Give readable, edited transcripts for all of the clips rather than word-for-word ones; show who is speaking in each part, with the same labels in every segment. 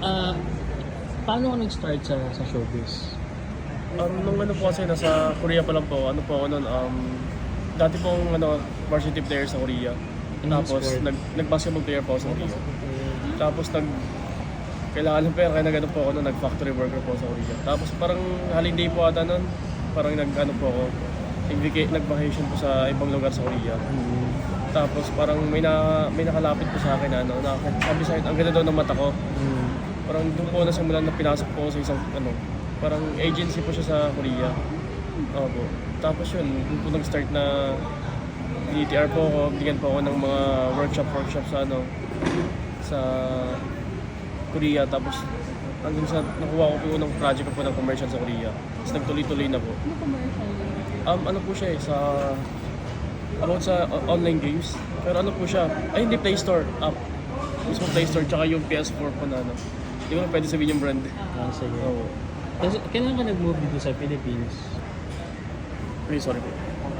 Speaker 1: Ah, paano ka nag-start sa showbiz?
Speaker 2: Nung ano po kasi nasa Korea pa lang po, ano po ako noon, dati pong varsity player sa Korea.
Speaker 1: Anong
Speaker 2: Tapos
Speaker 1: sport?
Speaker 2: nag-basketball player po ako sa Korea. Tapos kailangan ng pera kaya nag-ano po ako noon, nag-factory worker po sa Korea. Tapos parang holiday po ata noon, parang nag-ano po ako, nag-vacation po sa ibang lugar sa Korea. Tapos parang may nakalapit po sa akin na sabi sa akin, ang ganda daw ng mata ko. Parang doon po nasimulan na pinasok po ako sa isang parang agency po siya sa Korea. Opo. Tapos yun, doon po nag-start na DTR po ako, bigyan po ako ng mga workshop sa sa Korea. Tapos hanggang sa nakuha ko po yung unang project ko po ng commercial sa Korea. Tapos nagtuloy-tuloy na po.
Speaker 3: Ano commercial yun?
Speaker 2: Ano po siya about sa online games. Pero ano po siya, hindi Play Store, app. Mismo Play Store, tsaka yung PS4 po na Hindi ko na pwede sabihin yung brand.
Speaker 1: Ah, sige.
Speaker 2: Oo.
Speaker 1: Tapos, kailan ka nag-move dito sa Philippines?
Speaker 2: Okay, sorry po.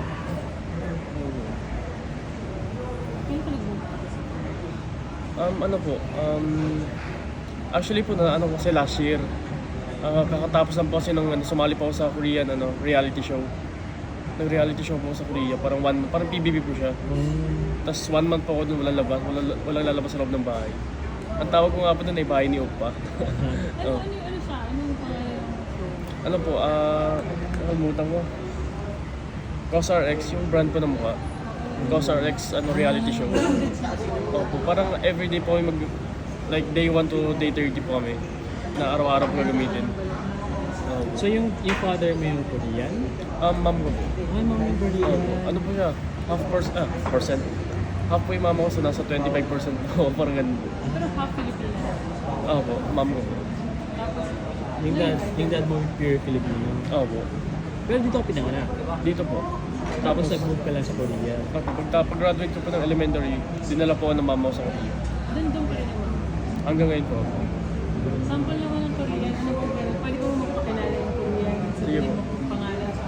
Speaker 3: Kaya ka nag-move?
Speaker 2: Ano po, actually po kasi last year, kakatapos lang po kasi sumali po ako sa Korean reality show. Nag-reality show po ako sa Korea, parang PBB po siya. Tapos 1 month po ako doon, walang lalabas sa loob ng bahay. Ang tawag ko nga po doon ay bahay ni Oppa.
Speaker 3: Ano siya? Anong pangalan ng show?
Speaker 2: Ano po, nakalimutan ko. Cosar X, yung brand po ng mukha. Cosar X, reality show. Opo, parang everyday po kami like day 1 to day 30 po kami na araw-araw po gagamitin.
Speaker 1: So, yung father mo yung Korean?
Speaker 2: Mom ko po.
Speaker 1: Ay, mom yung Korean.
Speaker 2: Ano po siya? Percent. Half po yung mama ko, so nasa 25% po. Parang ganun po.
Speaker 3: Pero half Filipino.
Speaker 2: Opo, mom ko po.
Speaker 3: Tapos,
Speaker 1: Yung dad mo pure Filipino.
Speaker 2: Opo.
Speaker 1: Pero dito ka pinanganak.
Speaker 2: Dito po.
Speaker 1: Tapos nag-move ka lang sa Korea.
Speaker 2: Pag-graduate ko po ng elementary, dinala po ako ng mama ko sa Korea.
Speaker 3: doon pa rin naman.
Speaker 2: Hanggang ngayon po.
Speaker 3: Sample naman ng Korean. Ano po pero pwede ko magpakilala yung Korean.
Speaker 2: Sige
Speaker 3: Sabihin
Speaker 2: po.
Speaker 3: mo kung pangalan sa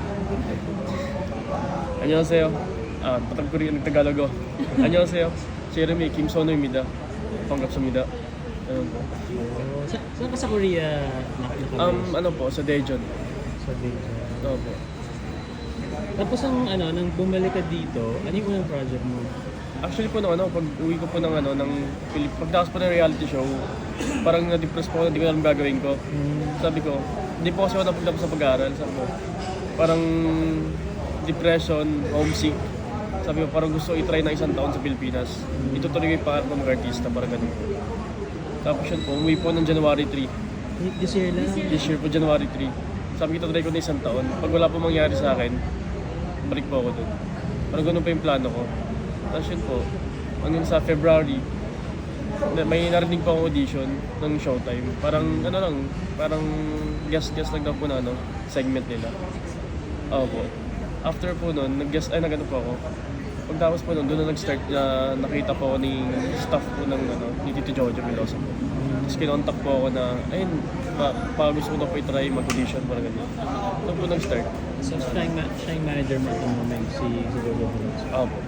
Speaker 2: 안녕하세요. patag Korean nagtagalog ako. 안녕하세요. Jeremy Kim Sono입니다. 반갑습니다. Ayun po.
Speaker 1: Saan ka sa Korea nakabase?
Speaker 2: Ano po, sa Daejeon.
Speaker 1: Sa Daejeon.
Speaker 2: Opo.
Speaker 1: Tapos nang bumalik ka dito, ano yung unang project mo?
Speaker 2: Actually po pag uwi ko po ng pagdakas po ng reality show, parang na-depress po ako, hindi ko alam gagawin ko. Sabi ko, hindi po kasi ako napagtapos sa pag-aaral. Sabi ko, parang depression, homesick. Sabi ko, parang gusto i-try na 1 taon sa Pilipinas. Itutuloy ko yung pangarap ng mag-artista, parang ganun. Tapos yun po, umuwi po ng January 3.
Speaker 1: This year lang?
Speaker 2: This year po, January 3. Sabi ko, try ko na 1 taon. Pag wala po mangyari sa akin, balik po ako dun. Parang ganun pa yung plano ko. Tapos yun po, hanggang sa February, may narinig po akong audition ng Showtime. Parang guest lang daw po na segment nila. Opo. After po nun, nag-ano po ako. Pagtapos po nun, doon na nag-start na nakita po ako ni staff po ng ni Tito Jojo Miloso po. Tapos kinontak po ako na, ayun, gusto ko na po i-try mag-audition, parang ganyan. Doon po nag-start.
Speaker 1: So, siya yung manager mo at the moment, si Jojo Bonus.
Speaker 2: Opo.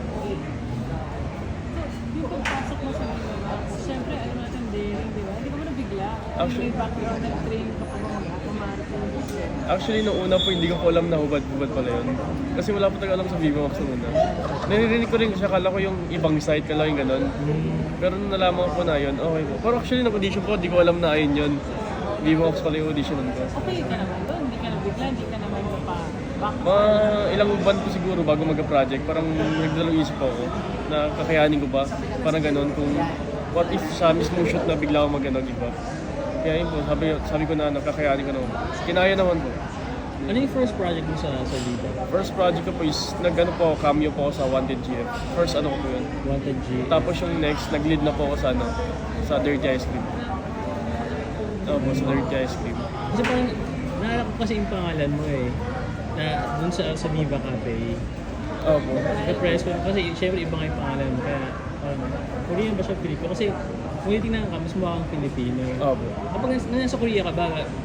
Speaker 3: yung pagpasok mo sa Manila, siyempre, alam natin daring, di ba? Hindi ka mo nabigla.
Speaker 2: Actually-
Speaker 3: May background, nag-train ka pa ba marathon?
Speaker 2: Actually, nung una po, hindi ko po alam na hubad-hubad pala yun. Kasi wala po talaga alam sa Viva Max nung una. Naririnig ko rin kasi akala ko yung ibang site, kala yung ganun. Pero nung nalaman ko po na yun, okay po. Pero actually, nag-audition po, hindi ko alam na ayun yun. Viva Max pala yung auditionan ko.
Speaker 3: Okay ka naman doon, hindi ka nabigla, hindi ka naman back.
Speaker 2: Mga ilang buwan po siguro bago mag-project, parang nagdalawang isip ako na kakayanin ko ba? Parang ganun, kung what if sa mismong shoot na bigla ako iba. Kaya yun po, sabi ko na kakayanin ko naman. Kinaya naman po.
Speaker 1: Ano yung first project mo sa Viva?
Speaker 2: First project ko po is cameo po ako sa Wanted GF. First ko po yun.
Speaker 1: Wanted G.
Speaker 2: Tapos yung next, nag-lead na po ako sa Dirty Ice Cream. Tapos sa Dirty Ice Cream.
Speaker 1: Kasi parang, naalala ko kasi yung pangalan mo na dun sa Viva Cafe.
Speaker 2: Opo.
Speaker 1: Na-press ko, kasi syempre iba nga yung pangalan mo, kaya Korean ba siya Pilipino? Kasi kung titingnan ka, mas mukha kang Pilipino.
Speaker 2: Opo.
Speaker 1: Kapag nasa Korea ka ba,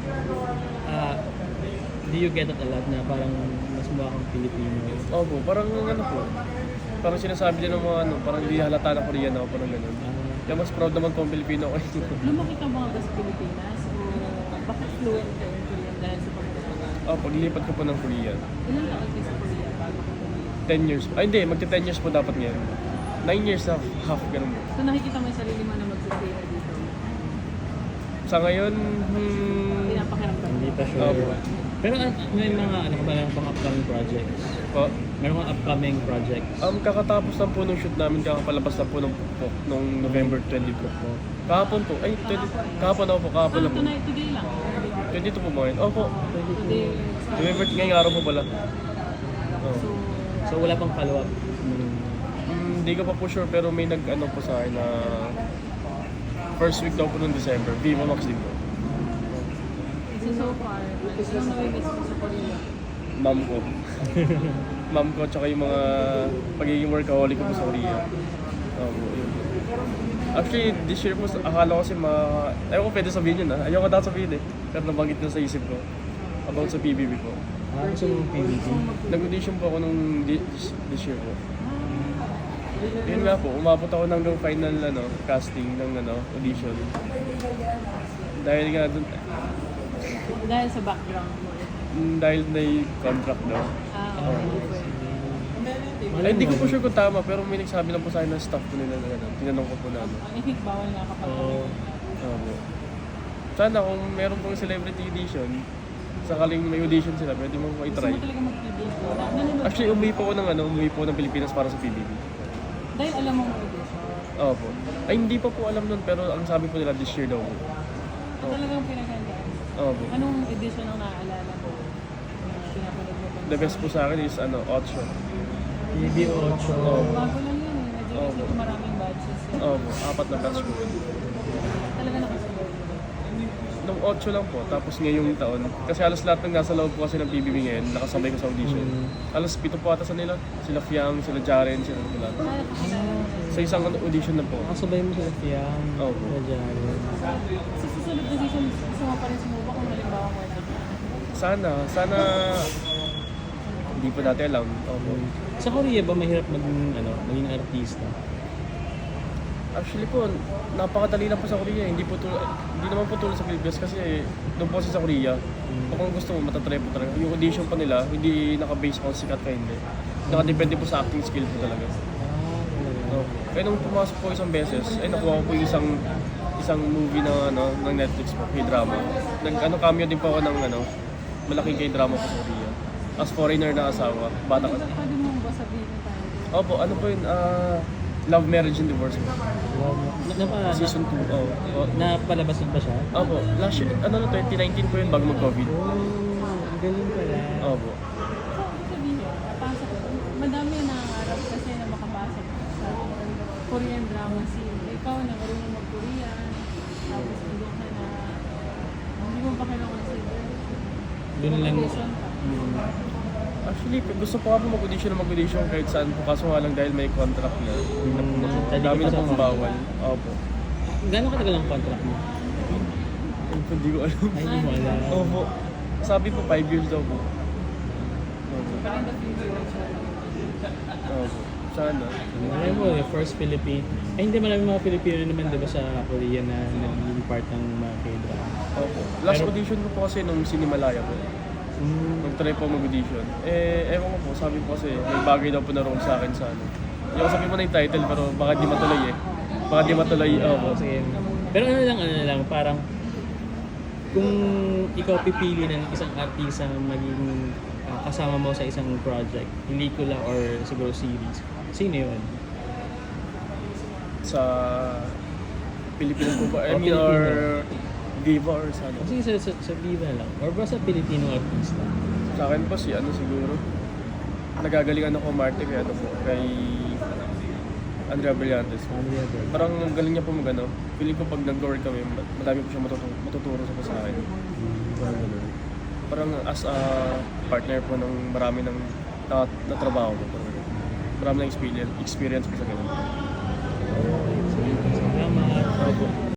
Speaker 1: do you get it a lot na parang mas mukha kang Pilipino?
Speaker 2: Opo, parang po. Parang sinasabi din ng mga parang hindi halata na Korean ako, parang ganun. Kaya mas proud naman po ang Pilipino ko.
Speaker 3: Lumaki ka mga sa Pilipinas? fluent ka in Korean dahil sa pagkakataon?
Speaker 2: Paglilipat ko po ng Korea.
Speaker 3: Ilang taon kayo sa Korea bago ka pumunta?
Speaker 2: 10 years. Ay hindi, magti-10 years po dapat ngayon. 9 years na half, ganun po.
Speaker 3: So nakikita mo yung sarili mo na magsistay na dito?
Speaker 2: Sa ngayon,
Speaker 3: Pinapakiramdam mo?
Speaker 1: Hindi pa sure.
Speaker 2: Opo.
Speaker 1: Pero may mga ano ka ba lang pang upcoming projects?
Speaker 2: po,
Speaker 1: Meron mga upcoming projects?
Speaker 2: kakatapos lang po ng shoot namin, kakapalabas lang po nung November 20 po. Kahapon po, ay, 20, kahapon ako po, kahapon
Speaker 3: So
Speaker 2: lang po.
Speaker 3: tonight, today lang?
Speaker 2: 22 po mo ngayon. Opo,
Speaker 3: Today,
Speaker 2: November, ngayong araw po pala. Oh.
Speaker 3: so,
Speaker 1: So wala pang follow-up?
Speaker 2: Hindi ko pa po sure, pero may nag-ano po sa akin na first week daw po ng December, Viva Max din po.
Speaker 3: so far, anong nami-miss mo sa Korea?
Speaker 2: Mom ko. Mom ko, tsaka yung mga pagiging workaholic ko po sa Korea. Yun. Actually, this year po, akala ko kasi ayaw ko pwede sabihin yun ayaw ko dapat sabihin pero nabanggit na sa isip ko about sa PBB ko.
Speaker 1: Gusto mo PBB?
Speaker 2: Nag-audition po ako nung this year po. Yun nga po, umabot ako hanggang final casting ng audition. Dahil nga dun,
Speaker 3: Dahil sa background mo.
Speaker 2: dahil may contract daw.
Speaker 3: Okay.
Speaker 2: Ay, hindi ko po sure kung tama, pero may nagsabi lang po sa akin ng staff ko nila na tinanong ko po na
Speaker 3: I think bawal nga kapag
Speaker 1: Oo.
Speaker 2: po. Sana kung meron pong celebrity edition, sakaling may audition sila, pwede mo
Speaker 3: gusto
Speaker 2: i-try.
Speaker 3: mo talaga mag-PBB. Nanonood
Speaker 2: Actually, umuwi po ng Pilipinas para sa PBB.
Speaker 3: dahil alam mo mag-audition.
Speaker 2: Opo. Ay, hindi pa po alam nun, pero ang sabi po nila this year daw po.
Speaker 3: Talagang pinaghandaan.
Speaker 2: Opo.
Speaker 3: Anong edition ang naaalala mo? Na pinapanood mo pa?
Speaker 2: The best po sa akin is 8.
Speaker 1: PBB 8.
Speaker 3: Bago lang yun eh. Medyo
Speaker 2: Oo.
Speaker 3: kasi maraming batches yun.
Speaker 2: Opo, 4 na batch po.
Speaker 3: Talaga nakasunod.
Speaker 2: Nung 8 lang po, tapos ngayong taon. Kasi halos lahat ng nasa loob po kasi ng PBB ngayon, nakasabay ko sa audition. Halos 7 po ata sa nila. Sila Fiang, sila Jaren, sila lahat. Sa isang audition na po.
Speaker 1: Nakasabay mo sila Fiang.
Speaker 2: Opo.
Speaker 1: Sila Jaren.
Speaker 3: Sa susunod na season, gusto mo pa rin sumuba kung halimbawa mo ito.
Speaker 2: Sana hindi po dati alam. Opo.
Speaker 1: Sa Korea ba mahirap maging artista?
Speaker 2: Actually po, napakadali lang po sa Korea. Hindi naman po tulad sa Pilipinas kasi doon po kasi sa Korea. Kung gusto mo, matatry po talaga. Yung audition pa nila, hindi naka-base kung sikat ka hindi. Nakadepende po sa acting skill po talaga. Kaya nung pumasok po isang beses, ay nakuha ko po yung isang movie na ng Netflix po, K-drama. Cameo din po ako ng malaking K-drama po sa Korea. As foreigner na asawa, bata ka.
Speaker 3: Pwede mo ba sabihin yung title?
Speaker 2: Opo, ano po yun? Love, Marriage, and Divorce po. Season 2.
Speaker 1: Napalabas na ba siya?
Speaker 2: Opo, last year, 2019 po yun bago mag-COVID.
Speaker 1: Ang galing pala.
Speaker 2: Opo.
Speaker 3: So, ibig sabihin, pasok, madami na nangangarap kasi na makapasok sa Korean drama scene. Ikaw na marunong mag-Korean, tapos hindi ka na, hindi mo pa kailangan sa
Speaker 1: Doon lang.
Speaker 3: audition pa.
Speaker 2: Actually, gusto ko po mag-audition kahit saan po. Kaso nga lang dahil may contract na. Dami na pong bawal. Opo.
Speaker 1: Gano'ng katagal ang contract mo?
Speaker 2: Hindi ko alam.
Speaker 1: Ay, hindi mo alam.
Speaker 2: Opo. Sabi po 5 years daw po. Opo.
Speaker 3: Parang the future of siya.
Speaker 2: Opo. Sana.
Speaker 1: Alam mo, yung first Philippine. Ay, hindi marami mga Pilipino naman diba sa Korea na naging part ng mga K-drama.
Speaker 2: Opo. Last
Speaker 1: Pero-
Speaker 2: audition ko po kasi nung Sinimalaya po. Nag-try po mag-audition. Ewan ko po, sabi po kasi may bagay daw po na role sa akin sa Hindi ko sabihin mo na yung title pero baka di matuloy Baka di matuloy. Opo.
Speaker 1: Sige. Pero ano lang, parang kung ikaw pipili ng isang artista na maging kasama mo sa isang project, pelikula or siguro series, sino yun?
Speaker 2: Sa Pilipinas po ba? I
Speaker 1: O,
Speaker 2: mean,
Speaker 1: Filipino.
Speaker 2: or diva or sa
Speaker 1: O sige, sa Viva lang. Or ba sa Pilipino artista?
Speaker 2: Sa akin po siguro. Nagagalingan ako Marte kay Andrea Brillantes.
Speaker 1: Andrea Bird.
Speaker 2: Parang ang galing niya po feeling ko pag nag-work kami, madami po siya matuturo sa akin. Parang as a partner po ng marami ng natrabaho ko. Marami ng experience po sa ganun.
Speaker 1: Salamat.